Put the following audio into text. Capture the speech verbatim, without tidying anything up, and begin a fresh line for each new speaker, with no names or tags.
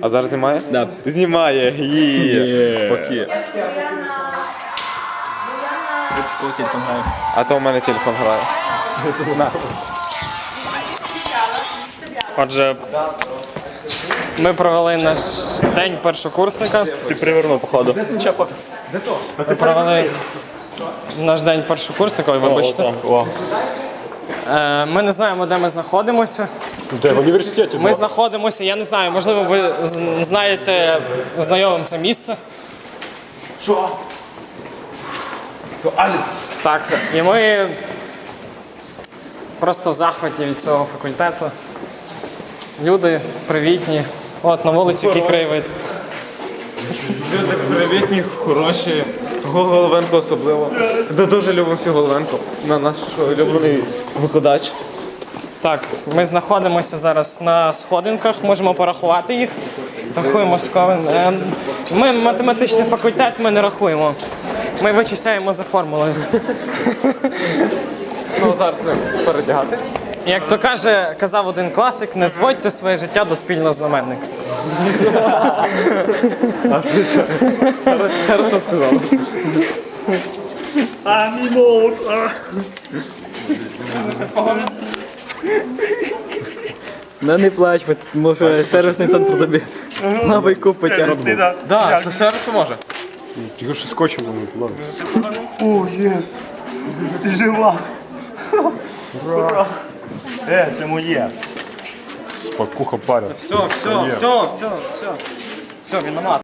А зараз знімає?
Да.
Знімає. Є. Факи.
Телефон грає.
А то у мене телефон грає. На.
Отже, ми провели наш день першокурсника.
Ти привернув, походу.
Чо, пофіг.
Ми провели наш день першокурсника, ой, вибачте.
О,
Е, Ми не знаємо, де ми знаходимося.
де в університеті?
Ми знаходимося, я не знаю, можливо, ви з- знаєте знайомим це місце.
Що? То Алекс.
Так, і ми просто в захваті від цього факультету. Люди привітні. От на вулиці який краєвид.
Люди привітні, хороші. Головенко особливо. Ми дуже любимо всю Головенко. На наш улюблений викладач.
Так, ми знаходимося зараз на сходинках, можемо порахувати їх. Рахуємо сковин. Е, Ми математичний факультет, ми не рахуємо. Ми вичисляємо за формулою.
Ну, зараз не передягатись.
Як то каже, казав один класик, не зводьте своє життя до спільного знаменника.
Хорошо сказав.
Ну не плач, може сервісний центр тобі на байку потягне.
Да, це сервіс поможе.
Тільки що скотчем не туди.
О, єс! Ти жива! Ура! Е, це моє!
Спакуха паря.
Все, все, все, все, все. Все, виномат.